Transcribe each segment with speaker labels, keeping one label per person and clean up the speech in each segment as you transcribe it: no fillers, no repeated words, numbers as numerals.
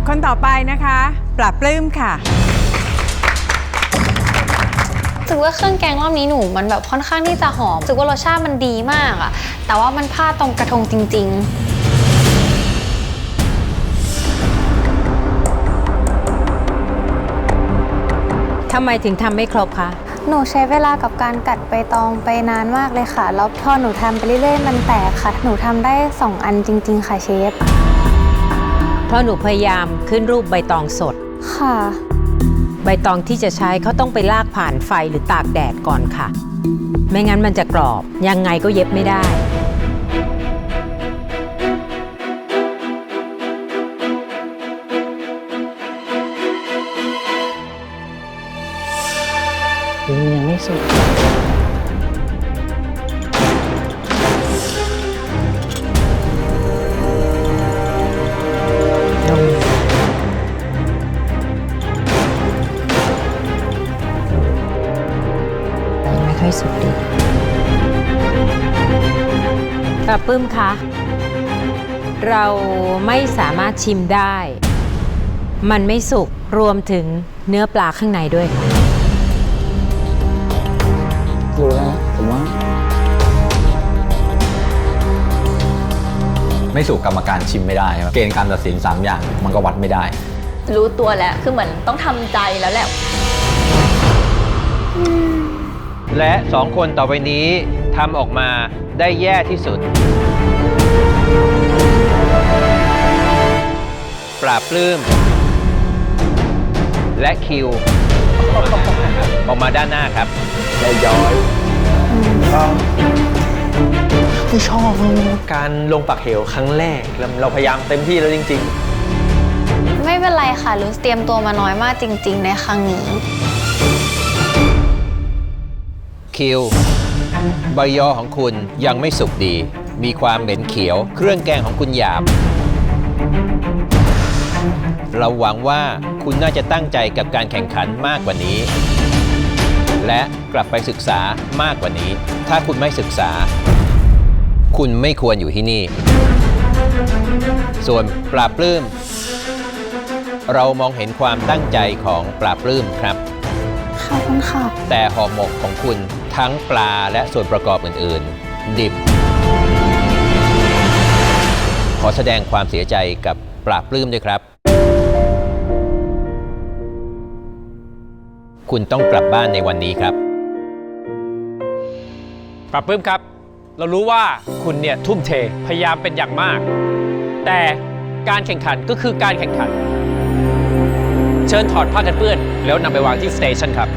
Speaker 1: คนต่อไปนะคะปลาปลื้มค่ะ
Speaker 2: รู้สึกว่าเครื่องแกงรอบนี้หนูมันแบบค่อนข้างที่จะหอมรู้สึกว่ารสชาติมันดีมากอะแต่ว่ามันพลาดตรงกระทงจริง
Speaker 3: ทำไมถึงทำไม่ครบคะ
Speaker 2: หนูใช้เวลากับการกัดใบตองไปนานมากเลยค่ะแล้วพอหนูทำไปเรื่อยๆมันแตกค่ะหนูทำได้2 อันจริงๆค่ะเชฟ
Speaker 3: เพราะหนูพยายามขึ้นรูปใบตองสด
Speaker 2: ค่ะ
Speaker 3: ใบตองที่จะใช้เขาต้องไปลากผ่านไฟหรือตากแดดก่อนค่ะไม่งั้นมันจะกรอบยังไงก็เย็บไม่ได้
Speaker 4: ยังไม่สุด
Speaker 3: ยังไม่ค่อยสุดดีปลาปื้มคะเราไม่สามารถชิมได้มันไม่สุกรวมถึงเนื้อปลาข้างในด้วยค่ะ
Speaker 4: รู้แล้วผมว่า
Speaker 5: ไม่สู่กรรมการชิมไม่ได้ครับเกณฑ์การตัดสิน3 อย่างมันก็วัดไม่ได้
Speaker 6: รู้ตัวแล้วคือเหมือนต้องทำใจแล้วแหละ
Speaker 7: และ2 คนต่อไปนี้ทำออกมาได้แย่ที่สุดปราบปลื้มและคิวออกมาด้านหน้าครับ
Speaker 4: ได้ย้อยไม่ชอบการลงปักเหวครั้งแรกเราพยายามเต็มที่แล้วจริง
Speaker 2: ๆไม่เป็นไรค่ะลูสเตรียมตัวมาน้อยมากจริงๆในครั้งนี้
Speaker 7: คิวใบยอของคุณยังไม่สุกดีมีความเหม็นเขียวเครื่องแกงของคุณหยาบเราหวังว่าคุณน่าจะตั้งใจกับการแข่งขันมากกว่านี้และกลับไปศึกษามากกว่านี้ถ้าคุณไม่ศึกษาคุณไม่ควรอยู่ที่นี่ส่วนปลาปลื้มเรามองเห็นความตั้งใจของปลาปลื้มครับ
Speaker 2: ขอบคุณค่ะ
Speaker 7: แต่ห่อหมกของคุณทั้งปลาและส่วนประกอบอื่นๆดิบขอแสดงความเสียใจกับปลาปลื้มด้วยครับคุณต้องกลับบ้านในวันนี้ครับ
Speaker 8: ปลาปลื้มครับเรารู้ว่าคุณเนี่ยทุ่มเทพยายามเป็นอย่างมากแต่การแข่งขันก็คือการแข่งขันเชิญถอดผ้ากันเปื้อนแล้วนำไปวางที่สเตชันครับ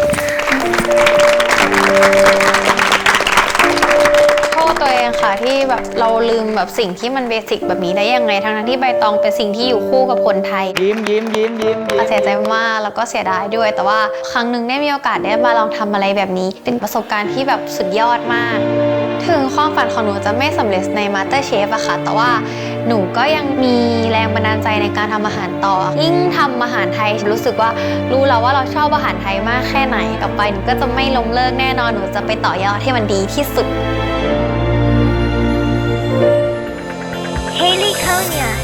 Speaker 2: โทษตัวเองค่ะที่แบบเราลืมแบบสิ่งที่มันเบสิกแบบนี้ได้ยังไงทั้งที่ใบตองเป็นสิ่งที่อยู่คู่กับคนไทย
Speaker 4: ยิ้ม
Speaker 2: เสียใจมากแล้วก็เสียดายด้วยแต่ว่าครั้งหนึ่งได้มีโอกาสได้มาลองทำอะไรแบบนี้เป็นประสบการณ์ที่แบบสุดยอดมากถึงความฝันของหนูจะไม่สำเร็จใน MasterChef อะค่ะแต่ว่าหนูก็ยังมีแรงบันดาลใจในการทำอาหารต่อยิ่งทำอาหารไทยรู้สึกว่ารู้แล้วว่าเราชอบอาหารไทยมากแค่ไหนต่อไปหนูก็จะไม่ล้มเลิกแน่นอนหนูจะไปต่อยอดให้มันดีที่สุด
Speaker 9: Haley Konya